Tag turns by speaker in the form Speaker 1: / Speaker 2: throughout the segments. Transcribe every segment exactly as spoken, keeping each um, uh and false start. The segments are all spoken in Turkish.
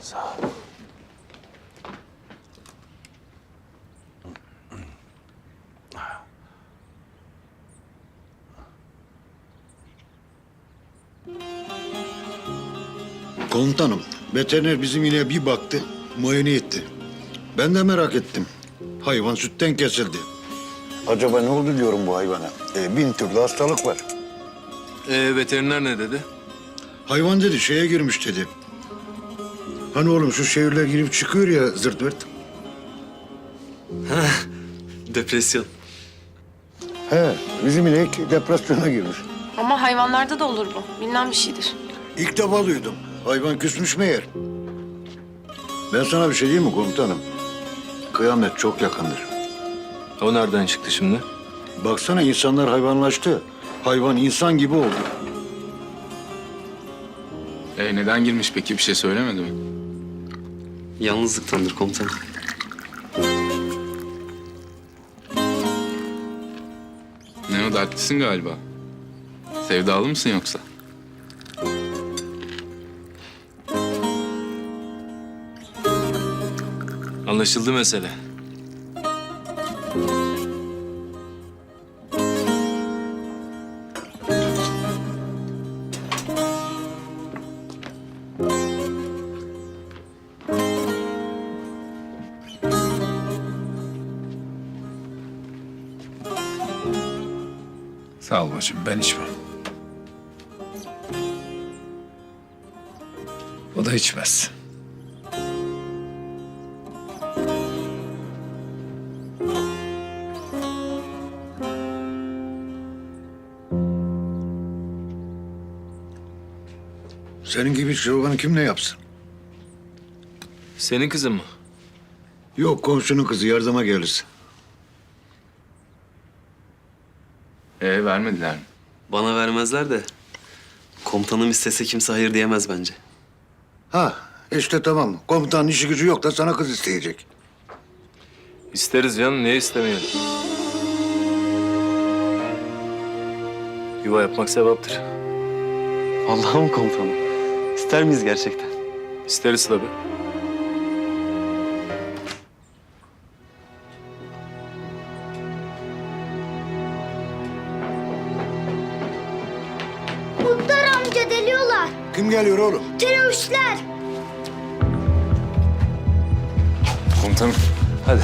Speaker 1: Sağ ol.
Speaker 2: Komutanım, veteriner bizim ineğe bir baktı, muayene etti. Ben de merak ettim. Hayvan sütten kesildi. Acaba ne oldu diyorum bu hayvana? E, bin türlü hastalık var.
Speaker 1: Ee, veteriner ne dedi?
Speaker 2: Hayvan dedi, şeye girmiş dedi. Hani oğlum şu şehirler girip çıkıyor ya zırt pırt.
Speaker 1: Depresyon.
Speaker 2: He, bizim inek depresyona girmiş.
Speaker 3: Ama hayvanlarda da olur bu. Bilinen bir şeydir.
Speaker 2: İlk defa duydum. Hayvan küsmüş meğer. Ben sana bir şey diyeyim mi komutanım? Kıyamet çok yakındır.
Speaker 1: O nereden çıktı şimdi?
Speaker 2: Baksana insanlar hayvanlaştı. Hayvan insan gibi oldu.
Speaker 4: E neden girmiş peki? Bir şey söylemedi mi?
Speaker 5: Yalnızlıktandır komutanım.
Speaker 4: Ne o, dertlisin galiba. Sevdalı mısın yoksa?
Speaker 1: Anlaşıldı mesele.
Speaker 4: Sağ ol bacım, ben içmem. O da içmez.
Speaker 2: Senin gibi çırpını kim ne yapsın?
Speaker 1: Senin kızın mı?
Speaker 2: Yok, komşunun kızı yardıma gelirse.
Speaker 4: E vermediler mi?
Speaker 5: Bana vermezler de komutanım istese kimse hayır diyemez bence.
Speaker 2: Ha, işte tamam. Komutanın işi gücü yok da sana kız isteyecek.
Speaker 1: İsteriz canım, niye istemeyelim? Yuva yapmak sevaptır.
Speaker 5: Vallahi mı komutanım? İster miyiz gerçekten?
Speaker 1: İsteriz tabii.
Speaker 6: Muhtar amca deliyorlar.
Speaker 2: Kim geliyor oğlum?
Speaker 6: Teröristler.
Speaker 1: Komutanım, hadi.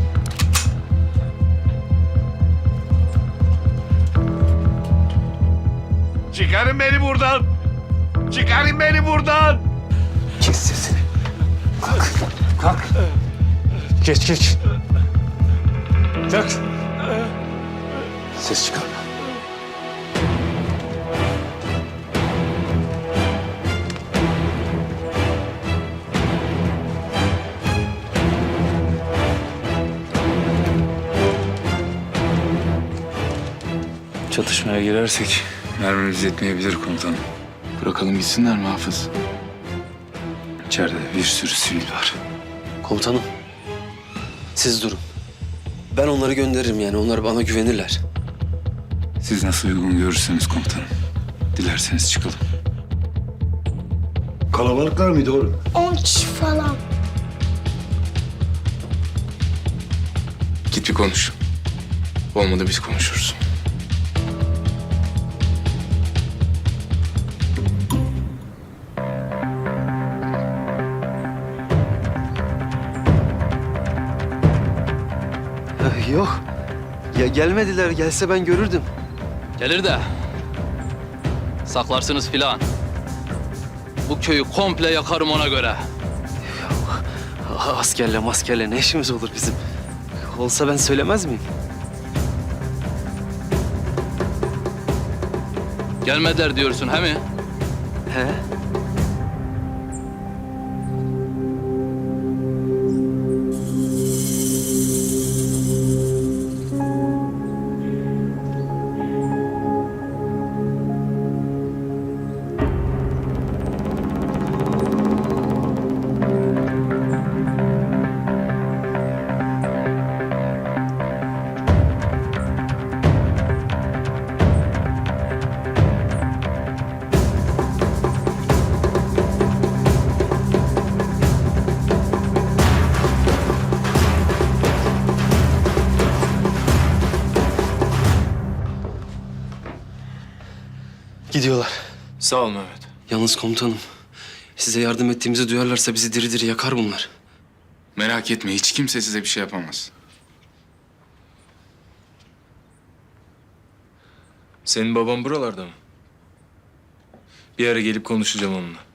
Speaker 7: Çıkarın beni buradan! Çıkarın beni buradan!
Speaker 2: Kes sesini.
Speaker 7: Geç geç. Kalk.
Speaker 2: Ses çıkarma.
Speaker 1: Çatışmaya girersek
Speaker 4: Mermimiz yetmeyebilir komutanım. Bırakalım gitsinler mi Hafız? İçeride bir sürü sivil var.
Speaker 5: Komutanım siz durun. Ben onları gönderirim yani onlar bana güvenirler.
Speaker 4: Siz nasıl uygun görürseniz komutanım. Dilerseniz çıkalım.
Speaker 2: Kalabalıklar mıydı oğlum?
Speaker 6: On kişi falan.
Speaker 4: Git bir konuş. Olmadı biz konuşuruz.
Speaker 5: Eh, Yok. Ya gelmediler. Gelse ben görürdüm.
Speaker 8: Gelir de saklarsınız filan. Bu köyü komple yakarım ona göre.
Speaker 5: Ah, Askerle maskerle ne işimiz olur bizim? Olsa ben söylemez miyim?
Speaker 8: Gelmediler diyorsun he mi?
Speaker 5: He? Gidiyorlar.
Speaker 1: Sağ ol Mehmet.
Speaker 5: Yalnız komutanım, size yardım ettiğimizi duyarlarsa bizi diri diri yakar bunlar.
Speaker 4: Merak etme, hiç kimse size bir şey yapamaz.
Speaker 1: Senin baban buralarda mı? Bir ara gelip konuşacağım onunla.